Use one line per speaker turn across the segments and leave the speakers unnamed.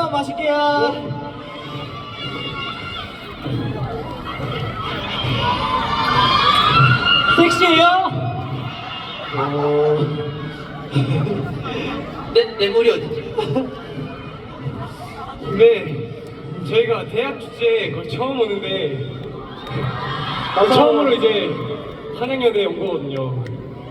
컵라면 마실게요. 섹시해요?
내 머리 어디지?
근데 저희가 대학 축제에 거의 처음 오는데 처음으로 이제 한양여대에 온 거거든요.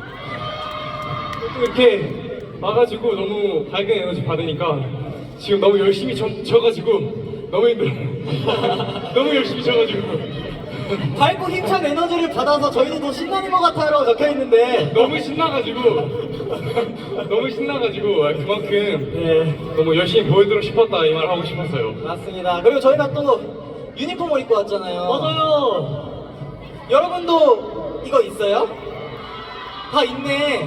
또 이렇게 와가지고 너무 밝은 에너지 받으니까 지금 너무 열심히 져가지고 너무 힘들어요. 너무 열심히 져가지고
밝고 힘찬 에너지를 받아서 저희도 더 신나는 것 같아요라고 적혀있는데
너무 신나가지고 너무 신나가지고 그만큼 너무 열심히 보여드리고 싶었다 이 말 하고 싶었어요.
맞습니다. 그리고 저희가 또 유니폼을 입고 왔잖아요.
맞아요.
여러분도 이거 있어요? 다 있네.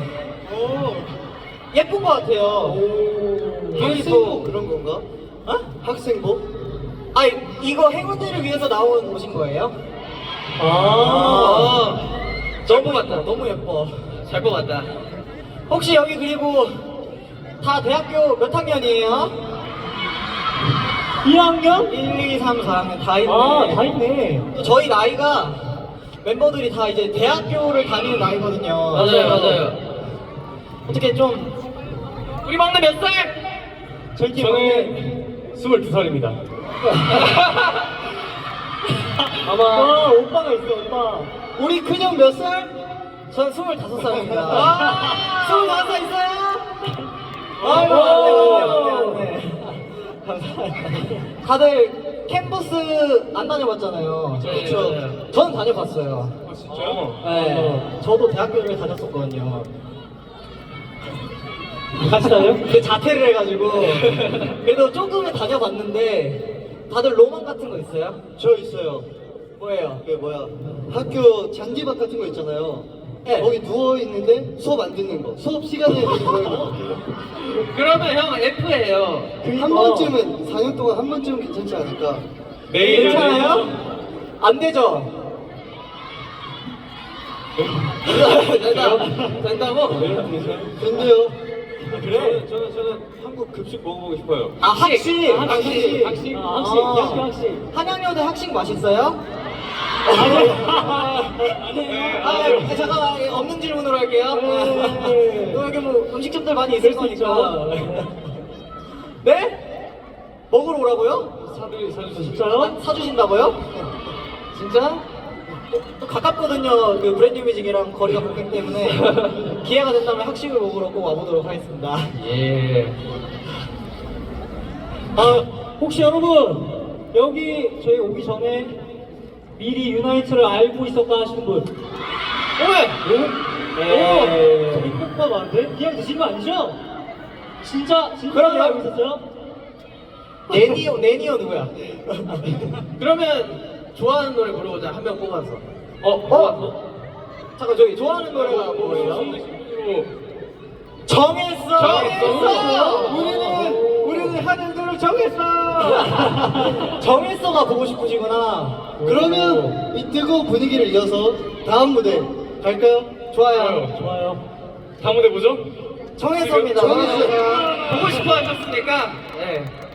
예쁜 것 같아요.
학생복 그런 건가?
어?
학생복?
아 이거 행운들을 위해서 나온 옷인 거예요?
잘 뽑았다.
너무 예뻐.
잘 뽑았다.
혹시 여기 그리고 다 대학교 몇 학년이에요? 2학년? 1, 2, 3, 4학년 다 있네.
다 있네.
또 저희 나이가 멤버들이 다 이제 대학교를 다니는 나이거든요.
맞아요.
어떻게 좀
우리 막내 몇 살?
저는 22살입니다.
아마 오빠가 있어 오빠. 우리 큰형 몇 살? 전 25살입니다. 25살 있어요? 맞네. 감사합니다. 다들 캠퍼스 안 다녀봤잖아요.
그렇죠.
저는 다녀봤어요.
진짜요?
네. 저도 대학교를 다녔었거든요.
같이 다녀요?
그 자퇴를 해가지고 그래도 조금은 다녀봤는데 다들 로망 같은 거 있어요?
저 있어요.
뭐예요?
그 뭐야 학교 잔디밭 같은 거 있잖아요.
네.
거기 누워 있는데 수업 안 듣는 거. 수업 시간에 누워 있는 거.
그러면 형 F예요.
한 번쯤은 4년 동안 한 번쯤은 괜찮지 않을까?
내일
괜찮아요? 안 되죠?
된다고?
근데요.
그래?
저는 한국 급식 먹어보고 싶어요.
아 학식!
학식.
학식?
학식. 한양여대 학식 맛있어요?
아니에요.
잠깐만 없는 질문으로 할게요. 또 여기 뭐 음식점들 많이 있을 거니까. 네? 먹으러 오라고요?
사주시죠.
진짜요? 사주신다고요? 진짜? 또 가깝거든요. 그 브랜드 뮤직이랑 거리가 멀기 때문에 기회가 된다면 학식을 먹으러 꼭 와보도록 하겠습니다.
예.
혹시 여러분 여기 저희 오기 전에 미리 유나이트를 알고 있었다 하시는 분?
네.
저기 뽑아 많은데? 그냥 드신 거 아니죠? 진짜
그럼요.
알고 있었어요?
네니오 누구야?
그러면 좋아하는 노래 부르자. 한 명 뽑아서.
뽑았어? 잠깐 저기 좋아하는 노래가 뭐예요? 정했어. 우리는 하는 대로 정했어. 정했어가 보고 싶으시구나.
그러면 이 뜨거운 분위기를 이어서 다음 무대 갈까요?
좋아요.
좋아요.
다음 무대 뭐죠?
정했어입니다.
정했어.
보고 싶어 하셨으니까. 네.